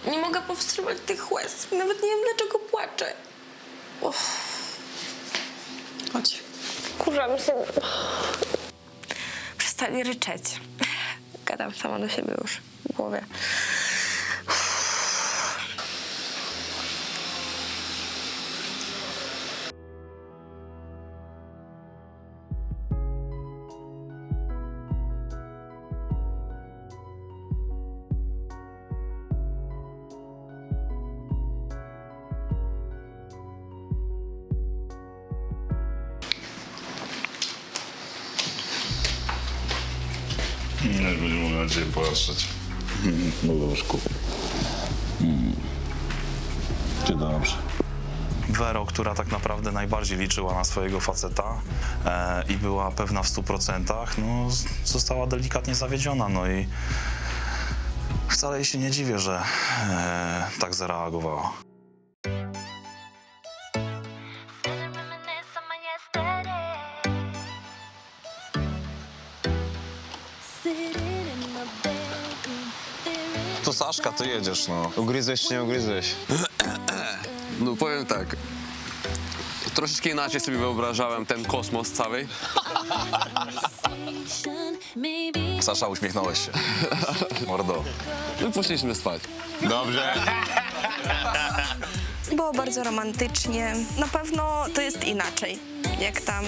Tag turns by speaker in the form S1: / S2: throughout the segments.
S1: Nie mogę powstrzymać tych łez. Nawet nie wiem, dlaczego płaczę.
S2: Chodź.
S1: Wkurzam się. Przestań ryczeć. Gadam sama do siebie już w głowie.
S3: Nie będzie mogła na ciebie popatrzeć. No łóżku. Czy dobrze?
S4: Wero, która tak naprawdę najbardziej liczyła na swojego faceta i była pewna w 100%, no, została delikatnie zawiedziona. No i wcale jej się nie dziwię, że tak zareagowała. To Saszka, ty jedziesz, no.
S5: Ugryzłeś czy nie ugryzłeś?
S6: No powiem tak, troszeczkę inaczej sobie wyobrażałem ten kosmos cały.
S4: Sasza, uśmiechnąłeś się. Mordo.
S6: No i poszliśmy spać.
S5: Dobrze.
S1: Było bardzo romantycznie. Na pewno to jest inaczej, jak tam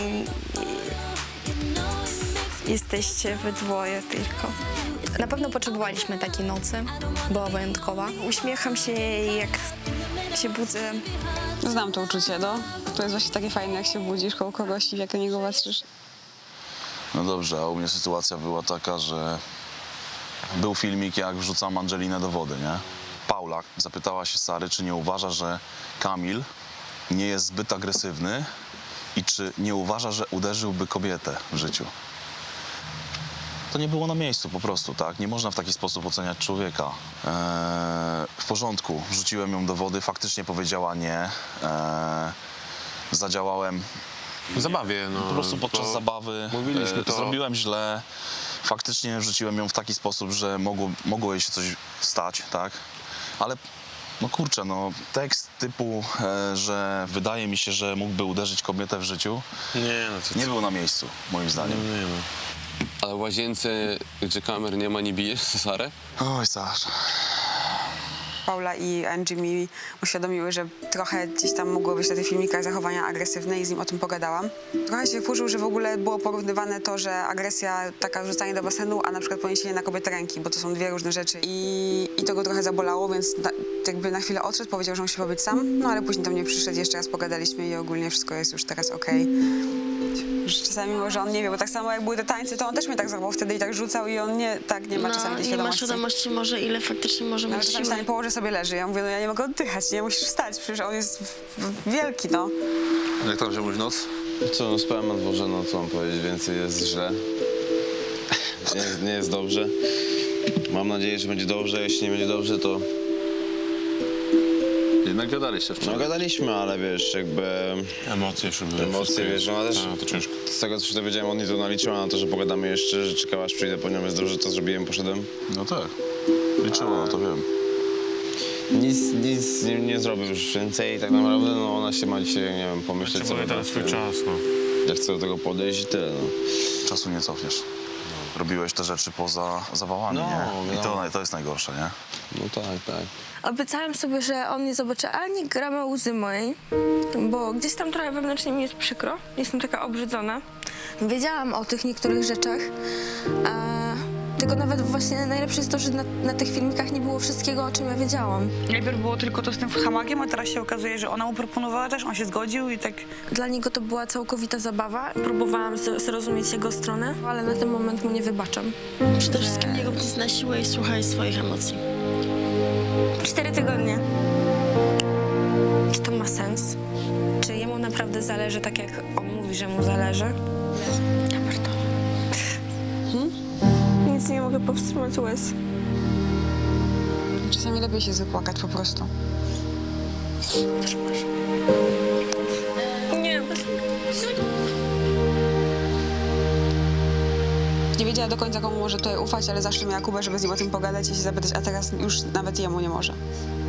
S1: jesteście we dwoje tylko. Na pewno potrzebowaliśmy takiej nocy. Była wyjątkowa. Uśmiecham się jej, jak się budzę.
S2: Znam to uczucie, no. To jest właśnie takie fajne, jak się budzisz koło kogoś i jak na niego patrzysz.
S4: No dobrze, a u mnie sytuacja była taka, że był filmik, jak wrzucam Angelinę do wody, nie? Paula zapytała się Sary, czy nie uważa, że Kamil nie jest zbyt agresywny i czy nie uważa, że uderzyłby kobietę w życiu. To nie było na miejscu po prostu, tak? Nie można w taki sposób oceniać człowieka. W porządku, wrzuciłem ją do wody, faktycznie powiedziała nie. Zadziałałem
S6: W zabawie, no.
S4: po prostu podczas zabawy.
S6: Mówiliśmy to.
S4: Zrobiłem źle. Faktycznie wrzuciłem ją w taki sposób, że mogło jej się coś stać, tak? Ale no kurczę, no tekst typu, że wydaje mi się, że mógłby uderzyć kobietę w życiu,
S6: Nie, no to
S4: nie był na miejscu, moim zdaniem.
S6: nie, no. Ale w łazience, gdzie kamer nie ma, nie bijesz Sarę?
S4: Oj, Sasza.
S2: Paula i Angie mi uświadomiły, że trochę gdzieś tam mogło być na tych filmikach zachowania agresywne i z nim o tym pogadałam. Trochę się wkurzył, że w ogóle było porównywane to, że agresja, taka wrzucanie do basenu, a na przykład poniesienie na kobietę ręki, bo to są dwie różne rzeczy. I to go trochę zabolało, więc jakby na chwilę odszedł, powiedział, że musi pobyć sam, no ale później do mnie przyszedł, jeszcze raz pogadaliśmy i ogólnie wszystko jest już teraz okej. Że czasami może on nie wie, bo tak samo jak były te tańce, to on też mnie tak zachował wtedy i tak rzucał i on nie ma czasami tej
S1: nie ma
S2: świadomości.
S1: świadomości może, ile faktycznie może
S2: Nawet
S1: mieć
S2: czasami
S1: siły.
S2: stanie położy sobie leży. Ja mówię, no ja nie mogę oddychać, nie musisz wstać, przecież on jest wielki, no.
S4: Jak tam się noc?
S5: Co, no spałem na dworze, no co mam powiedzieć, więcej jest źle. Nie jest dobrze. Mam nadzieję, że będzie dobrze, jeśli nie będzie dobrze, to...
S3: Jednak gadaliście
S5: No
S3: wczoraj.
S5: gadaliśmy, ale wiesz, jakby...
S3: Emocje już były.
S5: Emocje, wiesz, no ale też...
S3: To ciężko.
S5: Z tego, co się dowiedziałem, on nie to naliczyła na to, że pogadamy jeszcze, że czekała, aż przyjdę po nią, jest dobrze, to zrobiłem, poszedłem.
S4: No tak, liczyło, no to wiem.
S5: Nic nie zrobił już więcej, tak naprawdę, no ona się ma dzisiaj, nie wiem, pomyśleć
S6: Potrzebuje teraz swój czas, no.
S5: Jak chcę do tego podejść i tyle, no.
S4: Czasu nie cofniesz. Robiłeś te rzeczy poza zabawami,
S5: No,
S4: nie? I
S5: wiadomo.
S4: to jest najgorsze, nie?
S5: No tak.
S1: Obiecałam sobie, że on nie zobaczy ani grama łzy mojej, bo gdzieś tam trochę wewnętrznie mi jest przykro. Jestem taka obrzydzona. Wiedziałam o tych niektórych rzeczach, tylko nawet właśnie najlepsze jest to, że na tych filmikach nie było wszystkiego, o czym ja wiedziałam.
S7: Najpierw było tylko to z tym hamakiem, a teraz się okazuje, że ona mu proponowała też, on się zgodził i tak...
S1: Dla niego to była całkowita zabawa. Próbowałam zrozumieć jego stronę, ale na ten moment mu nie wybaczam.
S8: Przede wszystkim nie rób nic na siłę i słuchaj swoich emocji.
S1: 4 tygodnie. Czy to ma sens? Czy jemu naprawdę zależy tak, jak on mówi, że mu zależy? Ja pierdolę. Nic nie mogę powstrzymać łez.
S2: Czasami lepiej się zapłakać po prostu.
S1: Nie, bez...
S2: Nie wiedziała do końca, komu może tutaj ufać, ale zawsze miała Kubę, żeby z nim o tym pogadać i się zapytać, a teraz już nawet jemu nie może.